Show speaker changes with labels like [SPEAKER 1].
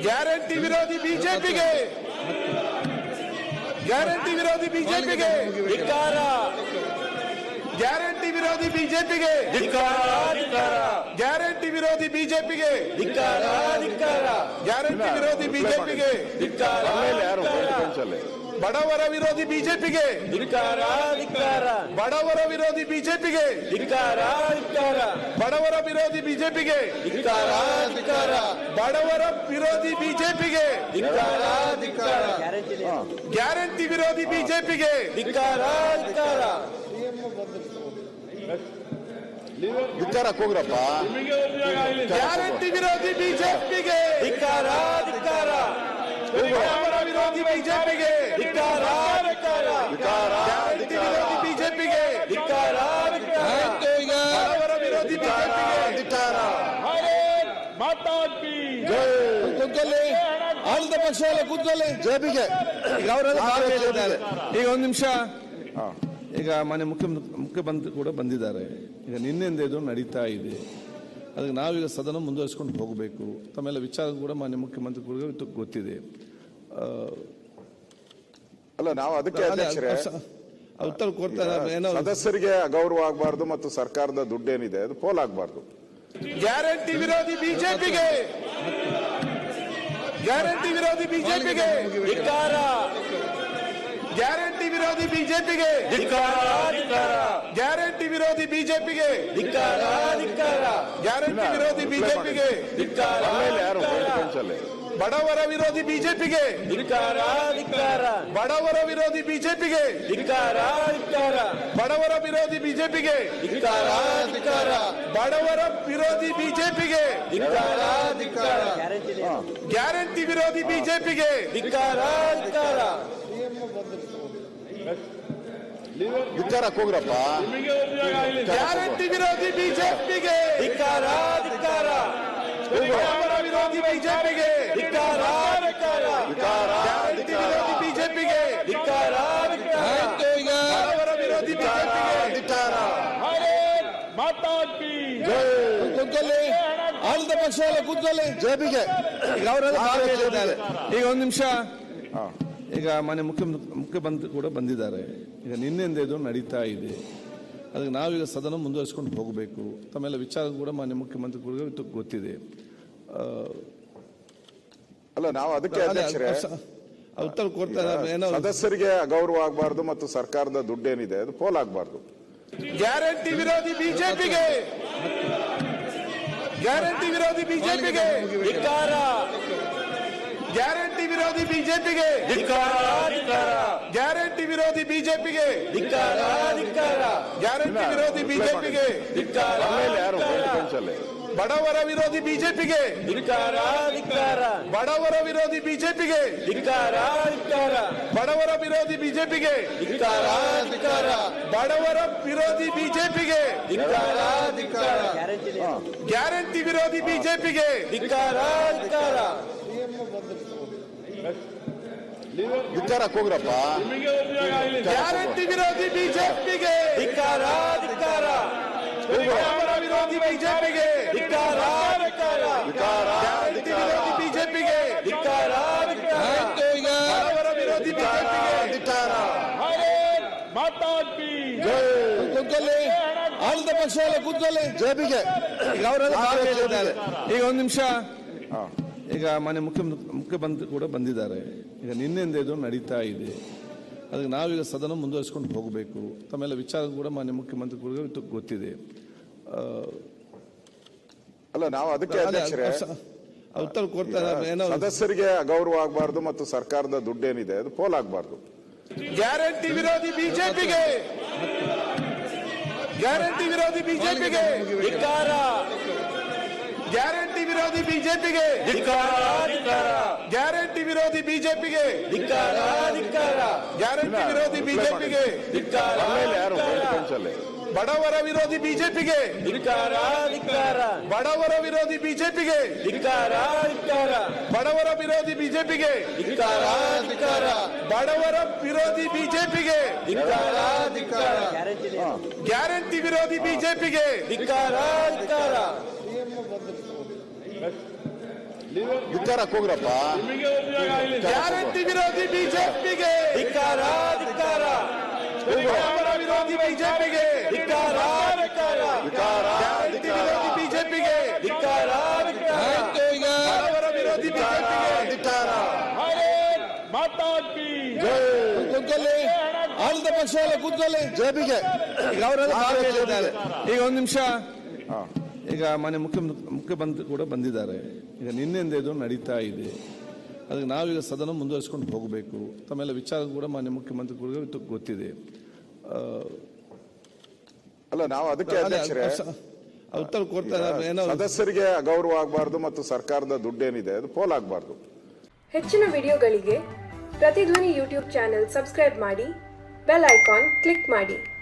[SPEAKER 1] Guarantee ವಿರೋಧಿ ಬಿಜೆಪಿಗೆ guarantee ವಿರೋಧಿ ಬಿಜೆಪಿಗೆ ಧಿಕ್ಕಾರ. ಗ್ಯಾರಂಟಿ ವಿರೋಧಿ ಬಿಜೆಪಿಗೆ ಧಿಕ್ಕಾರ. ಗ್ಯಾರಂಟಿ ವಿರೋಧಿ ಬಿಜೆಪಿಗೆ ಧಿಕ್ಕಾರ. ಗ್ಯಾರಂಟಿ ವಿರೋಧಿ ಬಿಜೆಪಿಗೆ ಧಿಕ್ಕಾರ. ಬಡವರ ವಿರೋಧಿ ಬಿಜೆಪಿಗೆ ಧಿಕ್ಕಾರ. ಬಡವರ ವಿರೋಧಿ ಬಿಜೆಪಿಗೆ ಧಿಕ್ಕಾರ. ಬಡವರ ವಿರೋಧಿ ಬಿಜೆಪಿಗೆ ಧಿಕ್ಕಾರ. ಬಡವರ ವಿರೋಧಿ ಬಿಜೆಪಿಗೆ ಧಿಕ್ಕಾರ. ಗ್ಯಾರಂಟಿ ವಿರೋಧಿ ಬಿಜೆಪಿಗೆ ಧಿಕ್ಕಾರ.
[SPEAKER 2] ಧಿಕ್ಕಾರ ಹೋಗ್ರಪ್ಪ.
[SPEAKER 1] ಗ್ಯಾರಂಟಿ ವಿರೋಧಿ ಬಿಜೆಪಿಗೆ ಧಿಕ್ಕಾರ. ಬಡವರ ವಿರೋಧಿ ಬಿಜೆಪಿಗೆ ಧಿಕ್ಕಾರ. ಗ್ಯಾರಂಟಿ ವಿರೋಧಿ ಬಿಜೆಪಿಗೆ ಧಿಕ್ಕಾರ. ಬಡವರ ವಿರೋಧಿ ಬಿಜೆಪಿಗೆ ಧಿಕ್ಕಾರ.
[SPEAKER 2] ಕೂತ್ಕೊಳ್ಳಿ, ಆಳಿದ ಪಕ್ಷ ಎಲ್ಲ ಕೂತ್ಕೊಳ್ಳಿ. ಜೆಪಿಗೆ
[SPEAKER 3] ಈಗ ಒಂದು ನಿಮಿಷ. ಈಗ ಮಾನ್ಯ ಮುಖ್ಯಮಂತ್ರಿ ಕೂಡ ಬಂದಿದ್ದಾರೆ. ಈಗ ನಿನ್ನೆಯಿಂದ ಇದು ನಡೀತಾ ಇದೆ. ಅದಕ್ಕೆ ನಾವೀಗ ಸದನ ಮುಂದುವರಿಸಿಕೊಂಡು ಹೋಗಬೇಕು. ತಮ್ಮೆಲ್ಲ ವಿಚಾರ ಕೂಡ ಮಾನ್ಯ ಮುಖ್ಯಮಂತ್ರಿಗಳಿಗೆ ಗೊತ್ತಿದೆ.
[SPEAKER 2] ಅಲ್ಲ, ನಾವು ಅದಕ್ಕೆ ಅಧ್ಯಕ್ಷರೇ
[SPEAKER 3] ಉತ್ತರ ಕೊಡ್ತಾರೆ. ಏನೋ
[SPEAKER 2] ಸದಸ್ಯರಿಗೆ ಅಗೌರವ ಆಗಬಾರ್ದು ಮತ್ತು ಸರ್ಕಾರದ ದುಡ್ಡೇನಿದೆ ಅದು ಪೋಲ್ ಆಗಬಾರ್ದು.
[SPEAKER 1] ಗ್ಯಾರಂಟಿ ವಿರೋಧಿ ಬಿಜೆಪಿಗೆ ಗ್ಯಾರಂಟಿ ವಿರೋಧಿ ಬಿಜೆಪಿಗೆ ಧಿಕ್ಕಾರ. ಗ್ಯಾರಂಟಿ ವಿರೋಧಿ ಬಿಜೆಪಿಗೆ ಧಿಕ್ಕಾರ. ಗ್ಯಾರಂಟಿ ವಿರೋಧಿ ಬಿಜೆಪಿಗೆ ಧಿಕ್ಕಾರ. ಗ್ಯಾರಂಟಿ ವಿರೋಧಿ ಬಿಜೆಪಿಗೆ ಧಿಕ್ಕಾರ. ಬಡವರ ವಿರೋಧಿ ಬಿಜೆಪಿಗೆ ಧಿಕ್ಕಾರ. ಬಡವರ ವಿರೋಧಿ ಬಿಜೆಪಿಗೆ ಧಿಕ್ಕಾರ. ಬಡವರ ವಿರೋಧಿ ಬಿಜೆಪಿಗೆ ಧಿಕ್ಕಾರ. ಬಡವರ ವಿರೋಧಿ ಬಿಜೆಪಿಗೆ ಧಿಕ್ಕಾರ. ಗ್ಯಾರಂಟಿ ವಿರೋಧಿ ಬಿಜೆಪಿಗೆ ಧಿಕ್ಕಾರ.
[SPEAKER 2] ಧಿಕ್ಕಾರ ಹೋಗ್ರಪ್ಪ.
[SPEAKER 1] ಗ್ಯಾರಂಟಿ ವಿರೋಧಿ ಬಿಜೆಪಿಗೆ ಧಿಕ್ಕಾರ. ಬಡವರ ವಿರೋಧಿ ಬಿಜೆಪಿಗೆ ಧಿಕ್ಕಾರ. ಗ್ಯಾರಂಟಿ ವಿರೋಧಿ ಬಿಜೆಪಿಗೆ ಧಿಕ್ಕಾರ. ಬಡವರ ವಿರೋಧಿ ಬಿಜೆಪಿಗೆ ಧಿಕ್ಕಾರ.
[SPEAKER 3] ಕೂತ್ಕೊಳ್ಳಿ, ಆಳಿದ ಪಕ್ಷ ಎಲ್ಲ ಕೂತ್ಕೊಳ್ಳಿ.
[SPEAKER 2] ಜೆಪಿಗೆ
[SPEAKER 3] ಈಗ ಒಂದು ನಿಮಿಷ. ಈಗ ಮಾನ್ಯ ಮುಖ್ಯಮಂತ್ರಿ ಕೂಡ ಬಂದಿದ್ದಾರೆ. ಈಗ ನಿನ್ನೆಯಿಂದ ಇದು ನಡೀತಾ ಇದೆ. ಅದಕ್ಕೆ ನಾವೀಗ ಸದನ ಮುಂದುವರಿಸಿಕೊಂಡು ಹೋಗಬೇಕು. ತಮ್ಮೆಲ್ಲ ವಿಚಾರ ಕೂಡ ಮಾನ್ಯ ಮುಖ್ಯಮಂತ್ರಿಗಳಿಗೆ ಗೊತ್ತಿದೆ.
[SPEAKER 2] ಅಲ್ಲ, ನಾವು ಅದಕ್ಕೆ ಅಧ್ಯಕ್ಷರೇ
[SPEAKER 3] ಉತ್ತರ ಕೊಡ್ತಾರೆ. ಏನೋ
[SPEAKER 2] ಸದಸ್ಯರಿಗೆ ಅಗೌರವ ಆಗಬಾರ್ದು ಮತ್ತು ಸರ್ಕಾರದ ದುಡ್ಡೇನಿದೆ ಅದು ಪೋಲ್ ಆಗಬಾರ್ದು.
[SPEAKER 1] ಗ್ಯಾರಂಟಿ ವಿರೋಧಿ ಬಿಜೆಪಿಗೆ ಗ್ಯಾರಂಟಿ ವಿರೋಧಿ ಬಿಜೆಪಿಗೆ ಧಿಕ್ಕಾರ. ಗ್ಯಾರಂಟಿ ವಿರೋಧಿ ಬಿಜೆಪಿಗೆ ಧಿಕ್ಕಾರ. ಗ್ಯಾರಂಟಿ ವಿರೋಧಿ ಬಿಜೆಪಿಗೆ ಧಿಕ್ಕಾರ. ಗ್ಯಾರಂಟಿ ವಿರೋಧಿ ಬಿಜೆಪಿಗೆ ಧಿಕ್ಕಾರ. ಬಡವರ ವಿರೋಧಿ ಬಿಜೆಪಿಗೆ ಧಿಕ್ಕಾರ. ಬಡವರ ವಿರೋಧಿ ಬಿಜೆಪಿಗೆ ಧಿಕ್ಕಾರ. ಬಡವರ ವಿರೋಧಿ ಬಿಜೆಪಿಗೆ ಧಿಕ್ಕಾರ. ಬಡವರ ವಿರೋಧಿ ಬಿಜೆಪಿಗೆ ಧಿಕ್ಕಾರ. ಗ್ಯಾರಂಟಿ ವಿರೋಧಿ ಬಿಜೆಪಿಗೆ ಧಿಕ್ಕಾರ.
[SPEAKER 2] ಧಿಕ್ಕಾರ ಹೋಗ್ರಪ್ಪ.
[SPEAKER 1] ಗ್ಯಾರಂಟಿ ವಿರೋಧಿ ಬಿಜೆಪಿಗೆ ಧಿಕ್ಕಾರ. ಬಡವರ ವಿರೋಧಿ ಬಿಜೆಪಿಗೆ ಧಿಕ್ಕಾರ. ಗ್ಯಾರಂಟಿ ವಿರೋಧಿ ಬಿಜೆಪಿಗೆ ಧಿಕ್ಕಾರ. ಬಡವರ ವಿರೋಧಿ ಬಿಜೆಪಿಗೆ ಧಿಕ್ಕಾರ.
[SPEAKER 3] ಕೂತ್ಕೊಳ್ಳಿ, ಆಳಿದ ಪಕ್ಷ ಎಲ್ಲ ಕೂತ್ಕೊಳ್ಳಿ.
[SPEAKER 2] ಜೆಪಿಗೆ
[SPEAKER 3] ಈಗ ಒಂದು ನಿಮಿಷ. ಈಗ ಮಾನ್ಯ ಮುಖ್ಯಮಂತ್ರಿ ಕೂಡ ಬಂದಿದ್ದಾರೆ. ಈಗ ನಿನ್ನೆಯಿಂದ ಇದು ನಡೀತಾ ಇದೆ. ಅದಕ್ಕೆ ನಾವೀಗ ಸದನ ಮುಂದುವರಿಸಿಕೊಂಡು ಹೋಗಬೇಕು. ತಮ್ಮೆಲ್ಲ ವಿಚಾರ ಕೂಡ ಮಾನ್ಯ ಮುಖ್ಯಮಂತ್ರಿಗಳಿಗೆ ಗೊತ್ತಿದೆ.
[SPEAKER 2] ಅಲ್ಲ, ನಾವು ಅದಕ್ಕೆ ಅಧ್ಯಕ್ಷರೇ
[SPEAKER 3] ಉತ್ತರ ಕೊಡ್ತಾರೆ. ಏನೋ
[SPEAKER 2] ಸದಸ್ಯರಿಗೆ ಅಗೌರವ ಆಗಬಾರ್ದು ಮತ್ತು ಸರ್ಕಾರದ ದುಡ್ಡೇನಿದೆ ಅದು ಪೋಲ್ ಆಗಬಾರ್ದು.
[SPEAKER 1] ಗ್ಯಾರಂಟಿ ವಿರೋಧಿ ಬಿಜೆಪಿಗೆ ಗ್ಯಾರಂಟಿ ವಿರೋಧಿ ಬಿಜೆಪಿಗೆ ಧಿಕ್ಕಾರ. ಗ್ಯಾರಂಟಿ ವಿರೋಧಿ ಬಿಜೆಪಿಗೆ ಧಿಕ್ಕಾರ. ಗ್ಯಾರಂಟಿ ವಿರೋಧಿ ಬಿಜೆಪಿಗೆ ಧಿಕ್ಕಾರ. ಗ್ಯಾರಂಟಿ ವಿರೋಧಿ ಬಿಜೆಪಿಗೆ ಧಿಕ್ಕಾರ. ಬಡವರ ವಿರೋಧಿ ಬಿಜೆಪಿಗೆ ಧಿಕ್ಕಾರ. ಬಡವರ ವಿರೋಧಿ ಬಿಜೆಪಿಗೆ ಧಿಕ್ಕಾರ. ಬಡವರ ವಿರೋಧಿ ಬಿಜೆಪಿಗೆ ಧಿಕ್ಕಾರ. ಬಡವರ ವಿರೋಧಿ ಬಿಜೆಪಿಗೆ ಧಿಕ್ಕಾರ. ಗ್ಯಾರಂಟಿ ವಿರೋಧಿ ಬಿಜೆಪಿಗೆ ಧಿಕ್ಕಾರ.
[SPEAKER 2] ಧಿಕ್ಕಾರ ಹೋಗ್ರಪ್ಪ.
[SPEAKER 1] ಗ್ಯಾರಂಟಿ ವಿರೋಧಿ ಬಿಜೆಪಿಗೆ
[SPEAKER 4] ಧಿಕ್ಕಾರ ಧಿಕ್ಕಾರ
[SPEAKER 1] ಬಡವರ ವಿರೋಧಿ ಬಿಜೆಪಿಗೆ ಗ್ಯಾರಂಟಿ ವಿರೋಧಿ ಬಿಜೆಪಿಗೆ
[SPEAKER 4] ಧಿಕ್ಕಾರ
[SPEAKER 2] ಆಯ್ತು, ಈಗ
[SPEAKER 1] ಬಡವರ ವಿರೋಧಿ ಬಿಜೆಪಿಗೆ
[SPEAKER 2] ಕೂತ್ಕೊಳ್ಳಿ. ಆಳಿದ ಪಕ್ಷ ಎಲ್ಲ ಕೂತ್ಕೊಳ್ಳಿ. ಜೆಪಿಗೆ
[SPEAKER 3] ಈಗ ಅವರೆಲ್ಲ ಭಾಗ ಹೇಳಿದ್ದಾರೆ. ಈಗ ಒಂದು ನಿಮಿಷ. ಈಗ ಮಾನ್ಯ ಮುಖ್ಯಮಂತ್ರಿ ಕೂಡ ಬಂದಿದ್ದಾರೆ. ಈಗ ನಿನ್ನೆಯಿಂದ ಇದು ನಡೀತಾ ಇದೆ. ಅದಕ್ಕೆ ನಾವೀಗ ಸದನ ಮುಂದುವರಿಸಿಕೊಂಡು ಹೋಗಬೇಕು. ತಮ್ಮೆಲ್ಲ ವಿಚಾರ ಕೂಡ ಮಾನ್ಯ ಮುಖ್ಯಮಂತ್ರಿ ಕೂಡ ಗೊತ್ತಿದೆ.
[SPEAKER 5] ಅಲ್ಲ, ನಾವು ಅದಕ್ಕೆ ಅಧ್ಯಕ್ಷರೇ
[SPEAKER 3] ಉತ್ತರ ಕೊಡ್ತಾರೆ. ಏನೋ
[SPEAKER 5] ಸದಸ್ಯರಿಗೆ ಅಗೌರವ ಆಗಬಾರ್ದು ಮತ್ತು ಸರ್ಕಾರದ ದುಡ್ಡೇನಿದೆ ಅದು ಪೋಲ್ ಆಗಬಾರ್ದು.
[SPEAKER 6] ಹೆಚ್ಚಿನ ವಿಡಿಯೋಗಳಿಗೆ ಪ್ರತಿಧ್ವನಿ ಯೂಟ್ಯೂಬ್ ಚಾನೆಲ್ ಸಬ್ಸ್ಕ್ರೈಬ್ ಮಾಡಿ, ಬೆಲ್ ಐಕಾನ್ ಕ್ಲಿಕ್ ಮಾಡಿ.